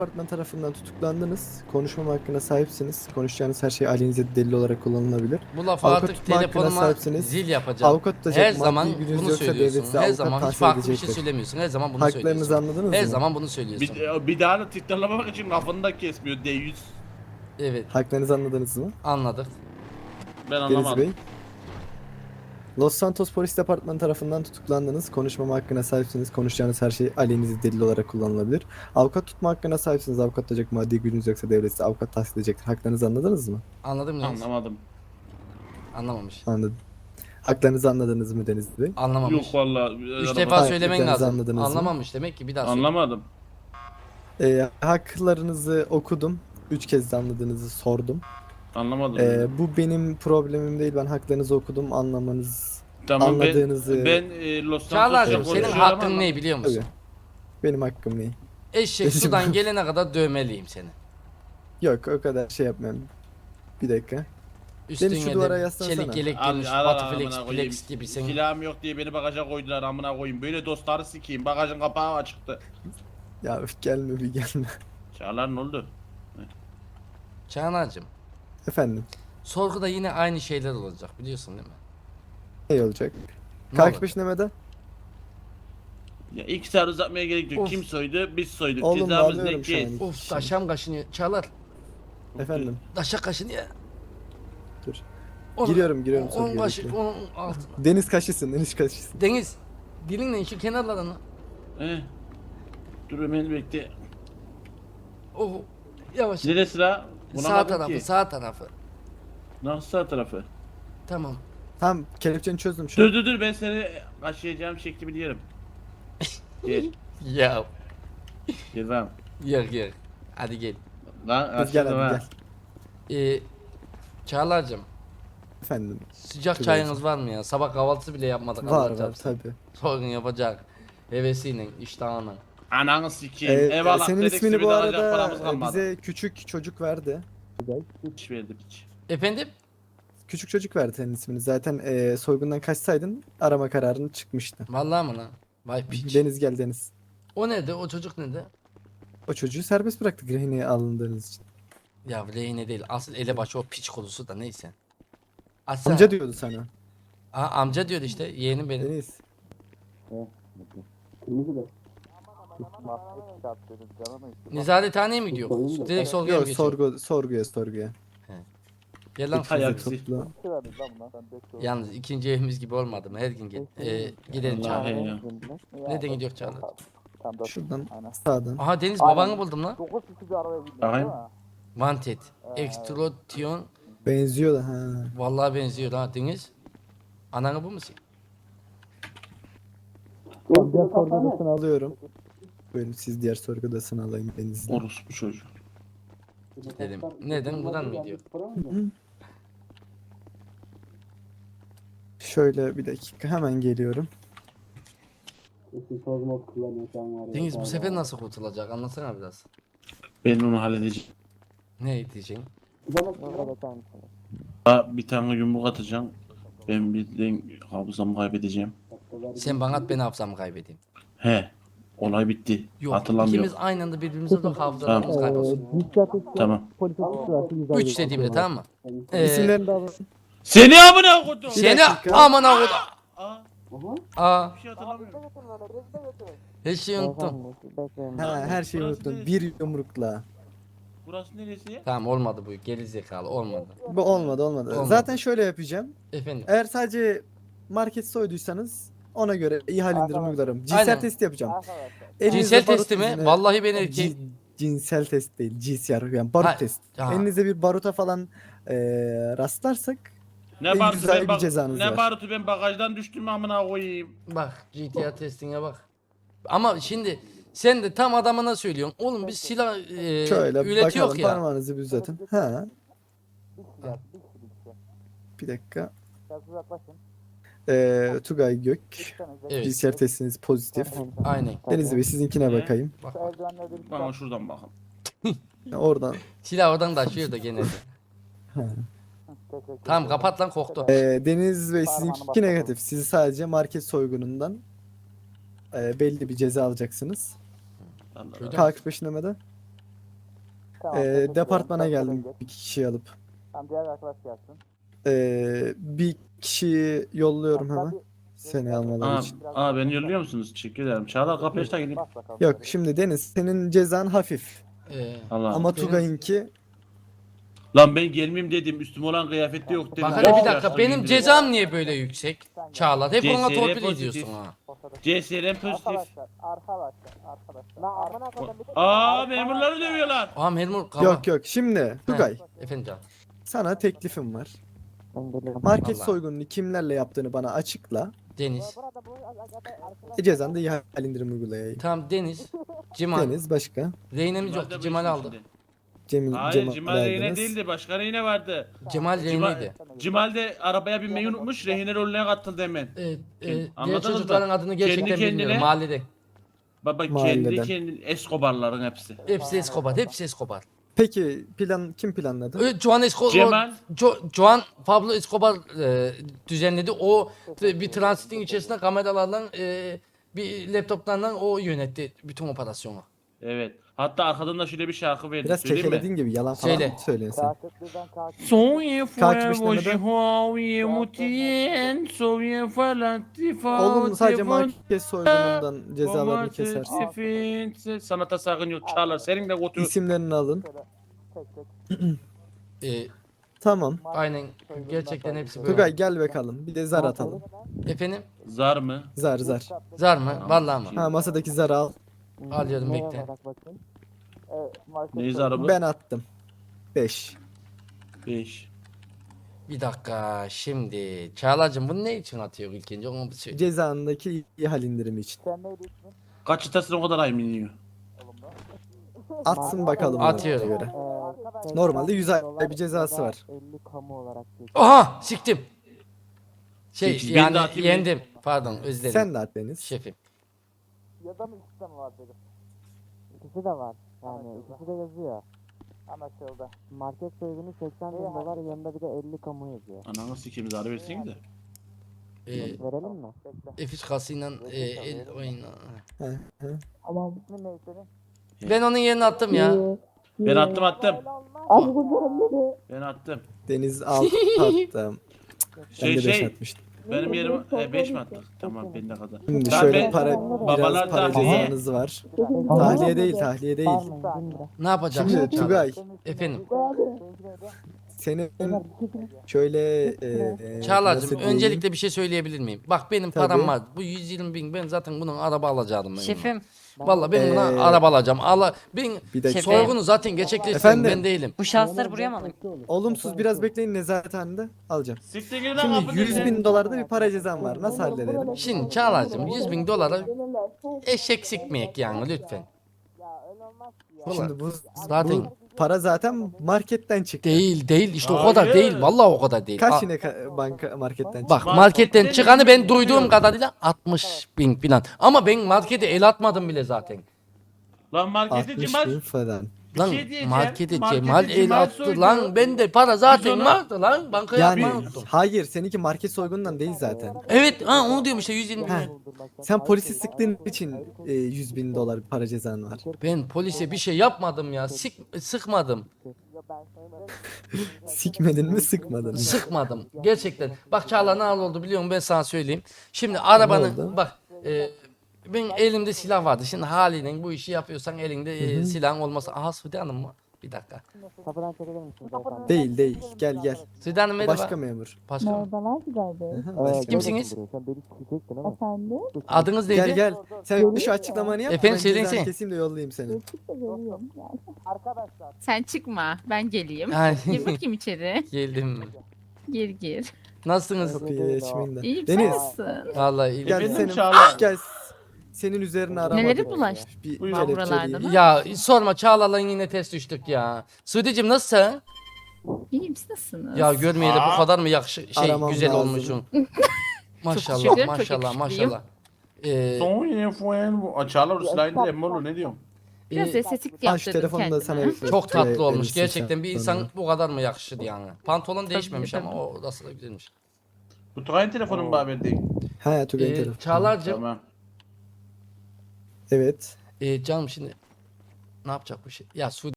Departman tarafından tutuklandınız. Konuşmama hakkına sahipsiniz. Konuşacağınız her şey aleyhinize delil olarak kullanılabilir. Bu lafı Avukat artık tutma hakkına telefonuma sahipsiniz. zil yapacağım. Avukat tutacak Her maddi zaman gücünüz bunu yoksa devlet söylüyorsun. size Her avukat zaman hiç tahsil farklı bir şey edecektir. söylemiyorsun. Her zaman bunu Haklarınızı söylüyorsun. anladınız Her mı? zaman bunu söylüyorsun. Bir daha da tekrarlamak için lafını da kesmiyor D100. Evet, Haklarınızı anladınız mı? anladık. Ben Deniz anlamadım. Bey. Los Santos Polis Departmanı tarafından tutuklandınız. Konuşmama hakkına sahipsiniz. Konuşacağınız her şey aleyhinize delil olarak kullanılabilir. Avukat tutma hakkına sahipsiniz. Avukat tutacak maddi gücünüz yoksa devlet size avukat tahsil edecektir. Haklarınızı anladınız mı? Anladın mı? Deniz? Anlamadım. Anlamamış. Anladım. Haklarınızı anladınız mı Deniz Bey? Anlamamış. Yok valla. 3 defa Hayır, söylemen dediklerinizi lazım. anladınız mı? Anlamamış demek ki bir daha söyle. Anlamadım. Haklarınızı okudum. 3 kez de anladığınızı sordum. Anlamadım. Bu benim problemim değil. Ben haklarınızı okudum. Anlamanız, Tamam anladığınızı... ben Los Çağlar'cığım Santos'la senin konuşuyorum hakkın ama- ne biliyor musun? Tabii. Benim hakkım ne? Eşek Bizim- sudan gelene kadar dövmeliyim seni. Yok, o kadar şey yapmam. Bir dakika. Üstüne şu duvara de yaslasana. çelik yelek Al- girmiş, al- batı al- flex, amına koyayım. flex gibi sen. Silahım yok diye beni bagaja koydular amına koyayım. Böyle dostları sikeyim. Bagajın kapağı açıktı. Ya üf, gelme bir gelme. Çağlar ne oldu? Çağlar'cığım, Efendim. sorguda yine aynı şeyler olacak biliyorsun değil mi? Ne olacak? Ne Kalk olacak? peşinlemede. Ya ilk saat uzatmaya gerek yok. Of. Kim soydu? Biz soyduk. Oğlum, Cezamız ne bağlıyorum şu ki? an. Of taşam kaşınıyor. Çağlar, Efendim. taşa kaşınıyor. Dur. On- Giriyorum on sorguya, kaşı, bekle. onun altına. Deniz kaşısın, Deniz kaşısın. Deniz, dilinle şu kenarlarını. He. Dur hemen bekle. Oh, yavaş. Neresi la? Sağ Bulamadım tarafı, ki. sağ tarafı. Nasıl sağ tarafı? Tamam. Tamam, kelepçeni çözdüm şu an. Dur ben seni kaşıyacağım şekli biliyorum. Gel. Ya, Gel lan. yer. Hadi gel. Lan Biz gel kaşıdım hadi ha. gel. Çağlar'cığım, Efendim. sıcak Tabii çayınız var mı ya? Sabah kahvaltısı bile yapmadık. Allah Var çarpsın. tabi. Sorgun yapacak. Hevesiyle, iştahına. Ananı sikeyim. Eyvallah. Senin dedik, ismini simit bu alacak arada paramız kalmadı. bize küçük çocuk verdi. Hiç verdim hiç. Efendim? Küçük çocuk verdi senin ismini. Zaten soygundan kaçsaydın arama kararını çıkmıştı. Vallahi mı lan? Vay piç. Deniz gel Deniz. O nerede? O çocuk nerede? O çocuğu serbest bıraktık rehineye alındığınız için. Ya rehine değil. Asıl elebaşı o piç konusu da neyse. Açsana. Amca diyordu sana. Amca diyordu işte. Yeğenim benim. Deniz. Nezarethaneye mi gidiyor? Direkt sorguya mı Yok geçiyor? sorguya. Gel lan. Hay Bizi aksi. topla. Yalnız ikinci evimiz gibi olmadı mı? Her gün gel. Gidelim Allah Çağlar. ya. Nereden gidiyor Çağlar? Şuradan sağdan. Aha Deniz babanı buldum lan. Bakayım. Wanted. Extrotion. Benziyor da ha. Vallahi benziyor ha Deniz. Ananı bu musun? Diğer sorgu odasını alıyorum. Buyurun siz diğer sorgu odasını alayım Deniz'den. Orospu çocuğu. Gidelim. Neden? Buradan mı gidiyor? Şöyle bir dakika hemen geliyorum. Deniz bu sefer nasıl kurtulacak? Anlatsana biraz. Ben onu halledeceğim. Ne diyeceksin? Bir tane yumruk atacağım. Ben birden hafızamı kaybedeceğim. Sen bana at ben hafızamı kaybedeyim. He. Olay bitti. Yok. Hatırlamıyorum. İkimiz aynı anda birbirimize de hafızalarımız kaybolsun. Tamam. 3 dediğimde tamam mı? İsimlerini de alın. Seni amına koydum. Seni dakika. aman avut. Aa, Aa, bir şey hatırlamıyorum. her şeyi unuttum. Ha, her şeyi unuttum. Bir yumrukla. Burası neresi? Tamam olmadı bu. Geri zekalı olmadı. Bu olmadı. Olmadı. Zaten şöyle yapacağım. Efendim. Eğer sadece market soyduysanız ona göre ihale indirimi uygularım. Cinsel Aynen. testi yapacağım. Elinizde Cinsel barut testi mi? izine- Vallahi ben erkeğim. Cinsel test değil. GCR yani barut Ha, test. ha. Elinizde bir baruta falan rastlarsak Ne En barutu güzel ben bir bak cezanız ne var. barutu ben bagajdan düştüm amına koyayım. Bak GTA testine bak. Ama şimdi sen de tam adamına söylüyorsun. Oğlum biz silah şöyle üretiyor bakalım ya. parmağınızı bir uzatın. Ha. Bir dakika. Tugay Gök. Evet. GCR testiniz pozitif. Aynen. Deniz Bey sizinkine Ne? bakayım. Bak. Bana şuradan bakın. Oradan. Silah oradan taşıyor da gene. Tamam kapat lan koktu. Deniz Bey sizinki negatif. Sizi sadece market soygunundan belli bir ceza alacaksınız. Allah Öyle Allah. K45'lemede. Departmana geldim bir kişiyi alıp. Tamam, diğer arkadaş gelsin. Bir kişiyi yolluyorum hemen. Seni almaları için. Beni yolluyor musunuz? Teşekkür ederim. Çağlar kapıya açta gelin. Bak bakalım. Yok şimdi Deniz senin cezan hafif. Allah. Ama Benim- Tugay'ınki Lan ben gelmeyeyim dedim. Üstüme olan kıyafette yok dedim. Bak hele bir dakika, Yaşlı benim giyindim. cezam niye böyle yüksek? Çağlar hep ona CSR torpil pozitif. ediyorsun ha. CSR'm pozitif. Arkadaşlar. Lan amına koydum bir de. Memurları dövüyorlar. Aa memur kaba. yok şimdi Tugay Efendim canım. sana teklifim var. Ben geliyorum. Market Vallahi. soygununu kimlerle yaptığını bana açıkla. Deniz. Cezanda ihale indirim uygulayayım. Tamam Deniz. Cimal. Deniz başka. Reynemiz Cemal yoktu. da Cemal bu aldı. işin Cemal Hayır Cimal rehine verdiniz. değildi. Başka rehine vardı. Cemal Reyneydi. Cimal de arabaya binmeyi unutmuş. Rehine rolüne katıldı hemen. Diğer Diğer çocukların adını gerçekten Kendi kendine- bilmiyorum. Mahallede. Baba Mahalleden. kendi Escobar'ların hepsi. Hepsi Escobar. Hepsi Escobar. Peki kim planladı? Juan Escobar. Cemal. Juan Pablo Escobar düzenledi. O bir transitin içerisinde kameralarla bir laptoplarla o yönetti bütün operasyonu. Evet. Hatta arkadan da şöyle bir şarkı verdi. Biraz Söyleyeyim mi? kekelediğin gibi yalan falan Söyle. söyleyin sen. Katil birden katil. Soy Kaçmış fuego demeden? jihoye mutien soy falatifa Oğlum sadece market soygunundan cezalarını kesersin. Sanata sakın yok Çağlar. Senin de götür. İsimlerini alın. Tek tek. Tamam. Aynen. Gerçekten hepsi böyle. Tugay gel bakalım. Bir de zar atalım. Efendim? Zar mı? Zar. Zar mı? Vallahi mı? Ha masadaki zarı al. Alıyorum, Ne bekle. yazarak bakayım? Market Neyi soygun. zarı bu? Ben attım. 5. 5. Bir dakika şimdi. Çağlar'cığım bunu ne için atıyor ilk önce onu bir söyle. Cezandaki ihale indirimi için. Sen neydi ismin? Kaç çıtasın o kadar ay iniyor. Atsın bakalım. Atıyorum. ona göre. Arkadaşlar, Normalde 100 ay dolar bir cezası ya da var. 50 kamu olarak geçiyor. Aha siktim. Şey Sekiz, ben de yani atayım yendim. Pardon özür dilerim. Sen de at Deniz. Şefim. Ya da mı ikisi de mi var dedim. İkisi de var. Yani ikisi de yazıyor. Anlaşıldı. Market soygunu 80 bin dolar, yanında bir de 50 kamu yazıyor. Ananı sikeyim zarı versin de. Verelim mi? Bekle. F3 kasıyla el oyna. Tamam. İsmin ne senin? Ben onun yerine attım ya. Ben attım. Ben attım. Deniz 6 attım. Ben de 5 Şey atmıştım. benim yerim 5 mi attık? Tamam ben de kadar. Şimdi Ben- şöyle ben- para babalar biraz para tahliye. cezanız var. Tahliye değil, tahliye değil. Ne yapacağım? Şimdi Çağlar? Tugay Efendim. senin şöyle Çağlar'cığım nasıl diyeyim? öncelikle bir şey söyleyebilir miyim? Bak benim Tabii. param var. Bu 120 bin ben zaten bunun araba alacaktım ben. Şefim, Vallahi ben buna Ee, araba alacağım. Ben bir dakika. soygunu zaten gerçekleştirdim Efendim? ben değilim. bu şahısları buraya mı alayım? Olumsuz biraz bekleyin nezarethanede alacağım. Siktir gidin lan Şimdi kapının 100 önüne. bin dolarda bir para cezam var. Nasıl halledelim? Şimdi Çağlar'cığım 100 bin dolara eşek sikmeyek yani lütfen. Ulan, Şimdi bu zaten para zaten marketten çıktı. değil işte o Hayır. kadar değil vallahi o kadar değil. Kaç yine banka marketten çıktı? Bak marketten çıkanı ben duyduğum kadarıyla 60 bin falan. Ama ben markete el atmadım bile zaten. Lan markete 60 Cemal. bin falan. Lan şey diyeceğim, markete markete Cemal el Cemal attı soydu. lan ben de para zaten onu- vardı lan bankaya Yani atmayı unuttum. hayır seninki market soygunundan değil zaten. Evet ha onu diyorum işte 120 Heh. bin. Sen polisi sıktığın için 100 bin dolar bir para cezan var. Ben polise bir şey yapmadım ya sıkmadım. Sikmedin mi sıkmadın mı? Sıkmadım. Gerçekten. Bak Çağla ne oldu biliyor musun ben sana söyleyeyim. Şimdi oldu? arabanın bak ben elimde silah vardı. Şimdi haliyle bu işi yapıyorsan elinde silahın olmasa. Aha Sude Hanım mı? Bir dakika. Kapıdan çekilir misin beyefendi? Değil gel. Sude Hanım O merhaba. başka memur. Başka mı? Merhabalar Güzel Bey. Başka. Kimsiniz? Sen beni sikecektin ama. Efendim? Adınız neydi? Gel. Sen şu açıklamanı yap. Efendim, ben söyleyin cezanı sen. keseyim de yollayayım seni. Çıksa geliyorum. Yani. Arkadaşlar. Sen çıkma. Ben geleyim. Ay, Gir bakayım içeri. Geldim. Gir. Nasılsınız? Kapıyı açmayın da. İyiyim sen Deniz nasılsın? Vallahi iyi. gel Efendim, senin Çağla. gel senin üzerine arama. Neleri bulaştı? Bir Buyurun. kelepçe Buralarda değil. mı? Ya sorma Çağla'la yine ters düştük ya. Sude'cim nasılsın? İyiyim siz nasılsınız? Ya görmeyeli bu kadar mı Aramam güzel lazım. olmuşsun. maşallah teşekkür ederim, çok maşallah yakışıklıyım. maşallah. Soy fuego. Açarlar ıslayın de Molo ne diyorum? Biraz Ee, estetik Aç yaptırdım telefonu da kendime. sana. Çok tatlı olmuş. verirsin Gerçekten sen bir sonra. insan bu kadar mı yakışır yani? Pantolon değişmemiş tabii. ama o orası da güzelmiş. Bu Tugay'ın telefonu mu haber değil? He Tugay'ın telefonu. Çağlar'cığım Tamam. Evet. canım şimdi ne yapacak bu şey? Ya Sude